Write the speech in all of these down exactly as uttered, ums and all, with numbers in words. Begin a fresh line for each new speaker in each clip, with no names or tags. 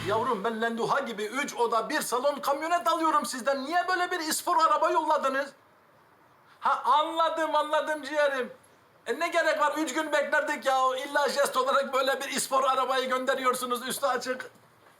Yavrum ben Lenduha gibi üç oda bir salon kamyonet alıyorum sizden. Niye böyle bir ispor araba yolladınız? Ha anladım anladım ciğerim. E ne gerek var? Üç gün beklerdik ya. İlla jest olarak böyle bir ispor arabayı gönderiyorsunuz üstü açık.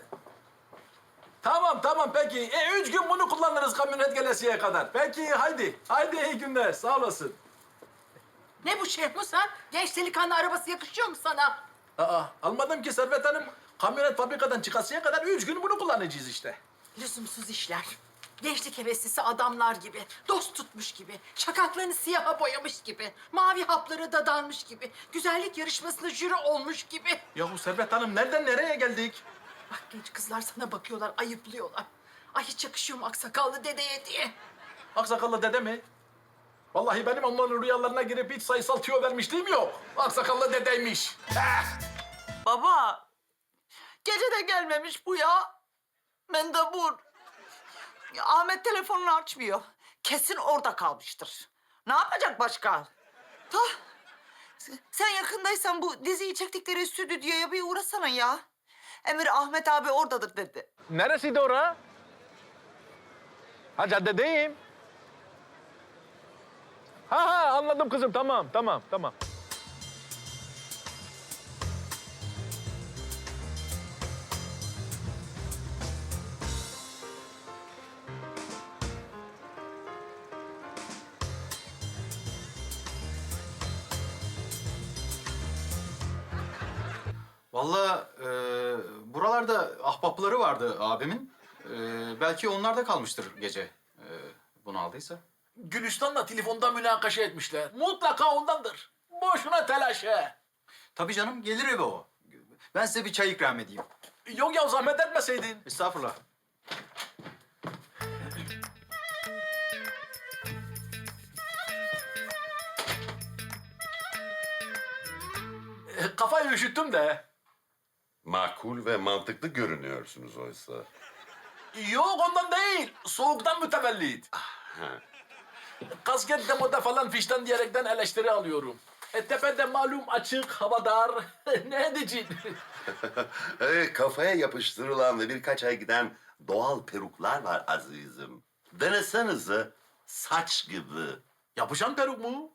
Tamam tamam peki. E üç gün bunu kullanırız kamyonet gelesiye kadar. Peki haydi. Haydi iyi günler. Sağ olasın.
Ne bu Şehmus ha? Genç delikanlı arabası yakışıyor mu sana?
Aa almadım ki Servet Hanım. Kamyonet fabrikadan çıkasıya kadar üç gün bunu kullanacağız işte.
Lüzumsuz işler. Gençlik heveslisi adamlar gibi, dost tutmuş gibi, şakaklarını siyaha boyamış gibi, mavi hapları dadanmış gibi, güzellik yarışmasında jüri olmuş gibi.
Ya bu Servet Hanım nereden nereye geldik?
Bak genç kızlar sana bakıyorlar, ayıplıyorlar. Ay hiç yakışıyor mu aksakallı dedeye diye.
Aksakallı dede mi? Vallahi benim onların rüyalarına girip hiç sayısal tüyo vermişliğim yok. Aksakallı dedeymiş.
Baba, gece de gelmemiş bu ya. Mendebur. Ya, Ahmet telefonunu açmıyor. Kesin orada kalmıştır. Ne yapacak başka? Ta, sen yakındaysan bu diziyi çektikleri stüdyoya bir uğrasana ya. Emir Ahmet abi oradadır dedi.
Neresiydi ora? Ha caddedeyim. Ha ha anladım kızım tamam tamam tamam.
Vallahi e, buralarda ahbapları vardı abimin. E, belki onlar da kalmıştır gece. E, bunu aldıysa.
Gülistan'la telefonda münakaşa etmişler. Mutlaka ondandır. Boşuna telaş he.
Tabii canım gelir eve o. Ben size bir çay ikram edeyim.
Yok ya zahmet etmeseydin.
Estağfurullah.
E, Kafayı üşüttüm de.
Makul ve mantıklı görünüyorsunuz oysa.
Yok ondan değil. Soğuktan mütevellit. Kasket demoda falan fişten diyerekten eleştiri alıyorum. E tepede malum açık, hava dar. Ne edeceğim?
Evet, kafaya yapıştırılan ve birkaç ay giden doğal peruklar var azizim. Denesenize saç gibi.
Yapışan peruk mu?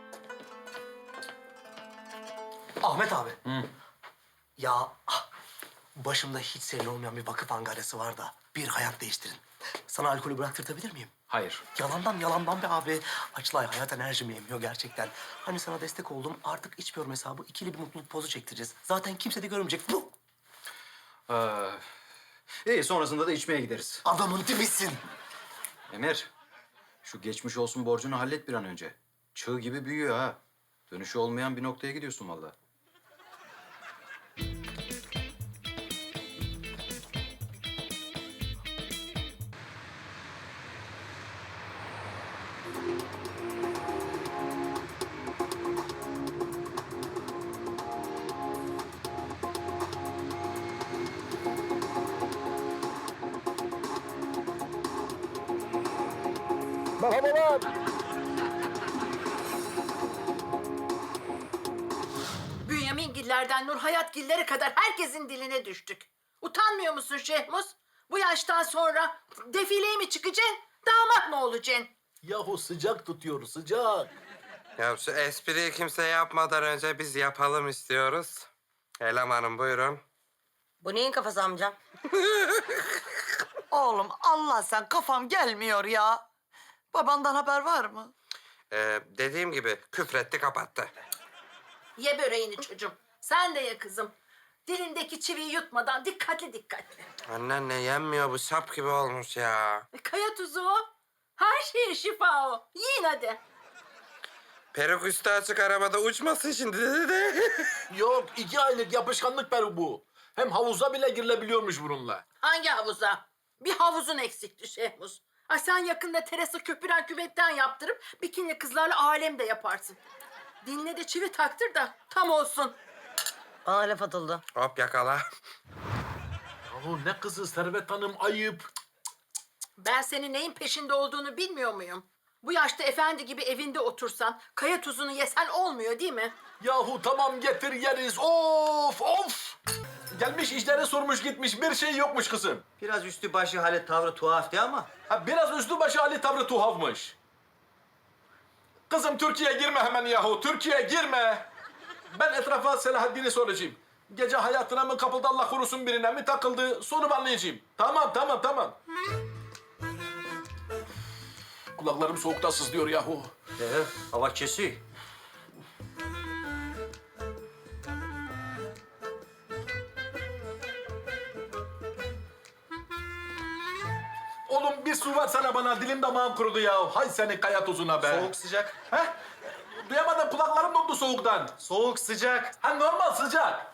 Ahmet abi. Ya ah, başımda hiç senin olmayan bir vakıf angaresi var da bir hayat değiştirin. Sana alkolü bıraktırtabilir miyim?
Hayır.
Yalandan yalandan be abi. Açlay hayat enerjimi yemiyor gerçekten. Hani sana destek oldum artık içmiyorum hesabı ikili bir mutluluk pozu çektireceğiz. Zaten kimse de görmeyecek. Bu
Ee, iyi sonrasında da içmeye gideriz.
adamın dibisin.
Emir, şu geçmiş olsun borcunu hallet bir an önce. Çığ gibi büyüyor ha. Dönüşü olmayan bir noktaya gidiyorsun vallahi.
Merhabalar.
Bünyamingillerden Nurhayatgillere kadar herkesin diline düştük. Utanmıyor musun Şehmus? Bu yaştan sonra defileye mi çıkacaksın, damat mı olacaksın?
Yahu sıcak tutuyor sıcak.
Ya şu espriyi kimse yapmadan önce biz yapalım istiyoruz. Elemanım buyurun.
Bu neyin kafası amcam?
Oğlum Allah sen kafam gelmiyor ya. Babandan haber var mı?
Ee, dediğim gibi küfretti kapattı.
Ye böreğini çocuğum. Sen de ye kızım. Dilindeki çiviyi yutmadan dikkatli dikkatli.
Anneanne yenmiyor bu sap gibi olmuş ya.
E, kaya tuzu o. Her şeye şifa o. Yiyin hadi.
Peruk üstü açık arabada uçmasın şimdi dedi.
Yok iki aylık yapışkanlık peruk bu. Hem havuza bile girilebiliyormuş bununla.
Hangi havuza? Bir havuzun eksikti Şehmus. Ay sen yakında terası köpüren küvetten yaptırıp bikini kızlarla alem de yaparsın. Diline de çivi taktır da tam olsun.
Bana laf atıldı.
Hop yakala.
Yahu ne kızı Servet Hanım ayıp.
Ben senin neyin peşinde olduğunu bilmiyor muyum? Bu yaşta efendi gibi evinde otursan, kaya tuzunu yesen olmuyor değil mi?
Yahu tamam getir yeriz. Of of. Gelmiş işleri sormuş gitmiş. Bir şey yokmuş kızım.
Biraz üstü başı halet tavrı tuhaftı ama.
Ha, biraz üstü başı hali tavrı tuhafmış. Kızım Türkiye'ye girme hemen yahu. Türkiye'ye girme. Ben etrafa Selahaddin'i soracağım. Gece hayatına mı kapıldı Allah korusun birine mi takıldı? Sorup anlayacağım. Tamam tamam tamam. Kulaklarım soğukta sızlıyor yahu.
Ee, hava kesiyor.
Oğlum bir su versene bana. Dilim damağım kurudu ya. Hay seni kaya tuzuna be.
Soğuk sıcak.
He? Duyamadım, kulaklarım dondu soğuktan.
Soğuk sıcak.
Ha normal sıcak.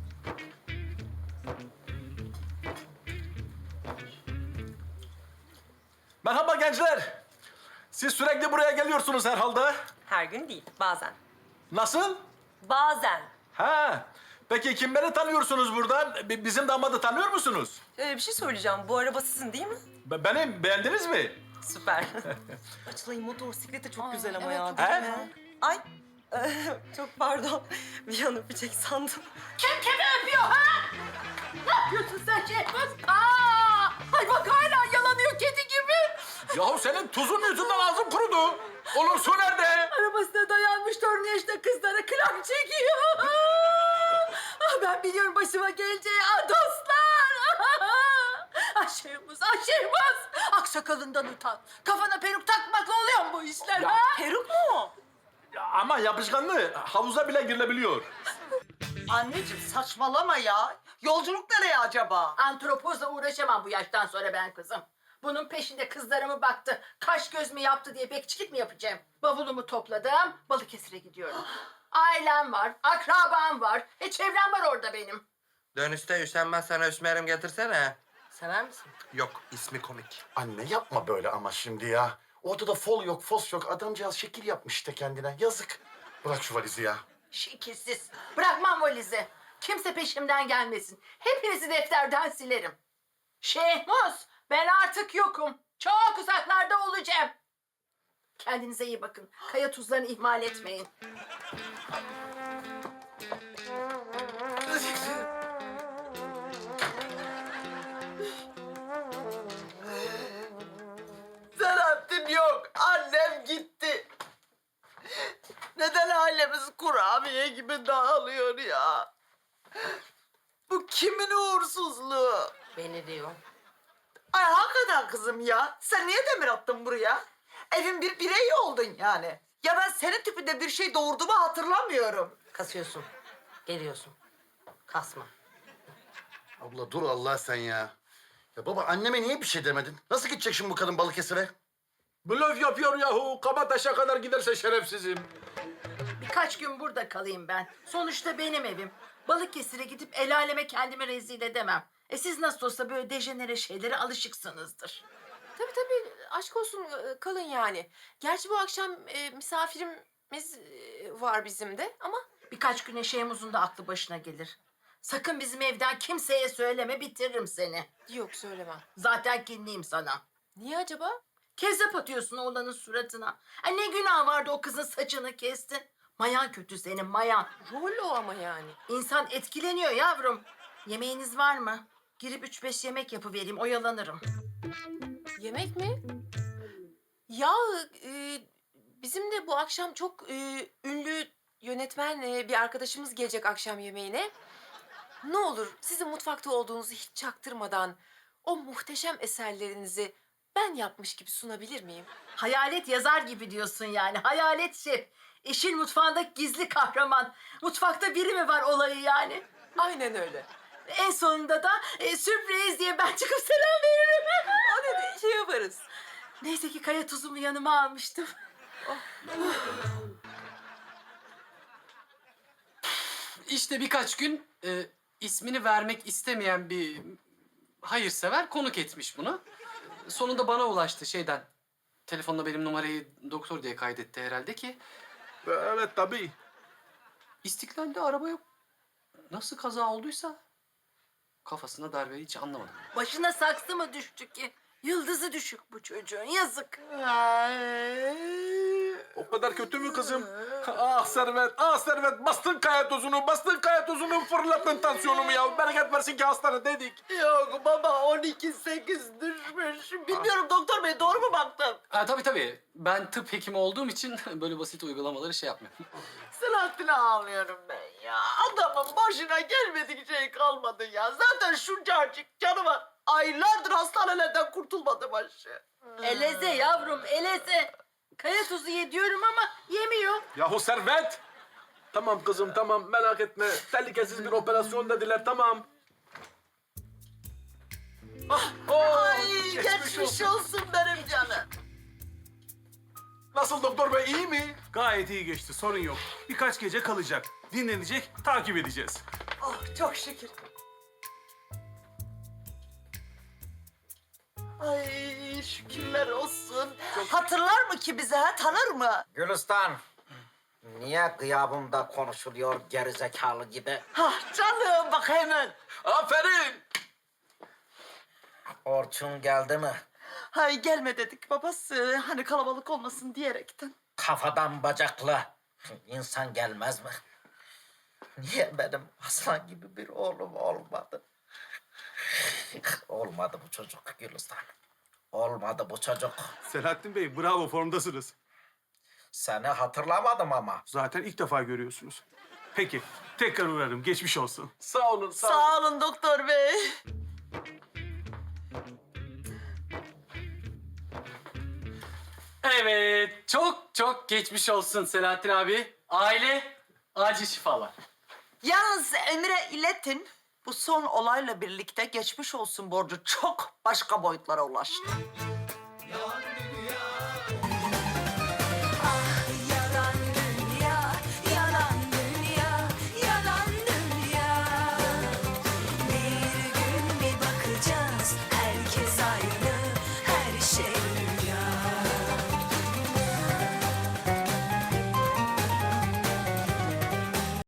Merhaba gençler. Siz sürekli buraya geliyorsunuz herhalde.
Her gün değil, bazen.
Nasıl?
Bazen.
Ha. Peki kimleri tanıyorsunuz buradan? Bi- Bizim damadı tanıyor musunuz?
Ee, bir şey söyleyeceğim. Bu araba sizin değil mi?
Be- Benim. Beğendiniz mi?
Süper. Açılayım, motosikleti çok güzel ama ya.
He?
değil mi? Ay, çok pardon. Bir an öpecek sandım.
Kim kimi öpüyor ha? Ne yapıyorsun sen Şehmuz? Aa! Ay bak hala yalanıyor kedi gibi.
Yahu senin tuzun yüzünden ağzım kurudu. Oğlum su nerede?
Arabasına dayanmış torun yaşta kızlara klap çekiyor. Ah, ben biliyorum başıma geleceği ah, dostlar. Ah Şehmuz, ah Şehmuz. Aksakalından utan. Kafana peruk takmakla oluyor mu bu işler
Ya,
ha?
Peruk mu?
Ya ama yapışkanlı. Havuza bile girilebiliyor.
Anneciğim saçmalama ya. Yolculuk nereye acaba?
Antropozla uğraşamam bu yaştan sonra ben kızım. Bunun peşinde kızlarımı baktı, kaş göz mü yaptı diye bekçilik mi yapacağım? Bavulumu topladım, Balıkesir'e gidiyorum. Ailem var, akrabam var, e çevrem var orada benim.
Dönüşte üşenmez sana üsmerim getirsene.
Sever misin?
Yok, ismi komik.
Anne yapma böyle ama şimdi ya. Ortada fol yok, fos yok. Adamcağız şekil yapmış işte kendine. Yazık. Bırak şu valizi ya.
Şekilsiz. Bırakmam valizi. Kimse peşimden gelmesin. Hepinizi defterden silerim. Şehmuz, ben artık yokum. Çok uzaklarda olacağım. Kendinize iyi bakın. Kaya tuzlarını ihmal etmeyin.
Selahattin yok. Annem gitti. Neden ailemiz kurabiye gibi dağılıyor ya? Bu kimin uğursuzluğu?
Beni diyor.
Ay hakikaten kızım ya. Sen niye demir attın buraya? Evin bir bireyi oldun yani. Ya ben senin tipinde bir şey doğurduğumu hatırlamıyorum.
Kasıyorsun. Geliyorsun. Kasma.
Abla dur Allah sen ya. Ya baba anneme niye bir şey demedin? Nasıl gidecek şimdi bu kadın Balıkesir'e?
Blöf yapıyor yahu. Kabataş'a kadar giderse şerefsizim.
Birkaç gün burada kalayım ben. Sonuçta benim evim. Balıkesir'e gidip el aleme kendimi rezil edemem. E siz nasıl olsa böyle dejenere şeylere alışıksınızdır.
Tabii tabii, aşk olsun, e, kalın yani. Gerçi bu akşam e, misafirimiz e, var bizim de ama...
Birkaç güne Şehmuz'un da aklı başına gelir. Sakın bizim evden kimseye söyleme, bitiririm seni.
Yok, söylemem.
Zaten kinliyim sana.
Niye acaba?
Kezzap atıyorsun oğlanın suratına. Ay ne günah vardı o kızın saçını kestin. Mayan kötü senin, mayan.
Rol o ama yani.
İnsan etkileniyor yavrum. Yemeğiniz var mı? Girip üç beş yemek yapıvereyim, oyalanırım.
Yemek mi? Ya e, bizim de bu akşam çok e, ünlü yönetmen e, bir arkadaşımız gelecek akşam yemeğine. Ne olur sizin mutfakta olduğunuzu hiç çaktırmadan o muhteşem eserlerinizi ben yapmış gibi sunabilir miyim?
Hayalet yazar gibi diyorsun yani. Hayalet şef. Eşin mutfağındaki gizli kahraman. Mutfakta biri mi var olayı yani?
Aynen öyle.
En sonunda da e, sürpriz diye ben çıkıp selam veririm.
O ne de şey yaparız.
Neyse ki kaya tuzumu yanıma almıştım.
İşte birkaç gün e, ismini vermek istemeyen bir hayırsever konuk etmiş bunu. Sonunda bana ulaştı şeyden. Telefonla benim numarayı doktor diye kaydetti herhalde ki.
Evet tabii.
İstiklal'de araba yok. Nasıl kaza olduysa kafasına darbe hiç anlamadım.
Başına saksı mı düştü ki? Yıldızı düşük bu çocuğun. Yazık.
Ay,
O kadar kötü mü kızım? Ah Servet, ah Servet. Bastın kaya tozunu, bastın kaya tozunu, fırlattın tansiyonumu ya. Bereket versin ki hastanedeydik.
Yok baba on iki sekiz düşmüş. Bilmiyorum doktor bey doğru mu baktım?
Ha, tabii tabii. Ben tıp hekimi olduğum için böyle basit uygulamaları şey yapmıyorum.
Selahattin'e ağlıyorum ben ya. Adamın başına gelmedik şey kalmadı ya. Zaten şuncacık canı var. Aylardır hastanelerden kurtulmadı başı.
Eleze yavrum, eleze. Kaya tuzu ye diyorum ama yemiyor.
Yahu Servet! Tamam kızım tamam merak etme. Tehlikesiz bir operasyon dediler tamam. Ah, oh,
Ay geçmiş, olsun benim canım.
Nasıl doktor bey iyi mi?
Gayet iyi geçti, sorun yok. Birkaç gece kalacak. Dinlenecek, takip edeceğiz.
Oh çok şükür. Ay şükürler olsun. Hatırlar mı ki bize ha? Tanır mı?
Gülistan. Niye gıyabımda konuşuluyor gerizekalı gibi?
Hah canım bak hemen.
Aferin!
Orçun geldi mi?
Hay gelme dedik babası. Hani kalabalık olmasın diyerekten.
Kafadan bacaklı. İnsan gelmez mi? Niye benim aslan gibi bir oğlum olmadı? Olmadı bu çocuk Gülistan. Olmadı bu çocuk.
Selahattin Bey, bravo, formdasınız.
Seni hatırlamadım ama.
Zaten ilk defa görüyorsunuz. Peki, tekrar uğrarım. Geçmiş olsun.
Sağ olun sağ, olun.
Sağ olun doktor bey.
Evet, çok çok geçmiş olsun Selahattin abi. Aile, acil şifalar.
Yalnız Emre iletin. Bu son olayla birlikte geçmiş olsun borcu çok başka boyutlara ulaştı.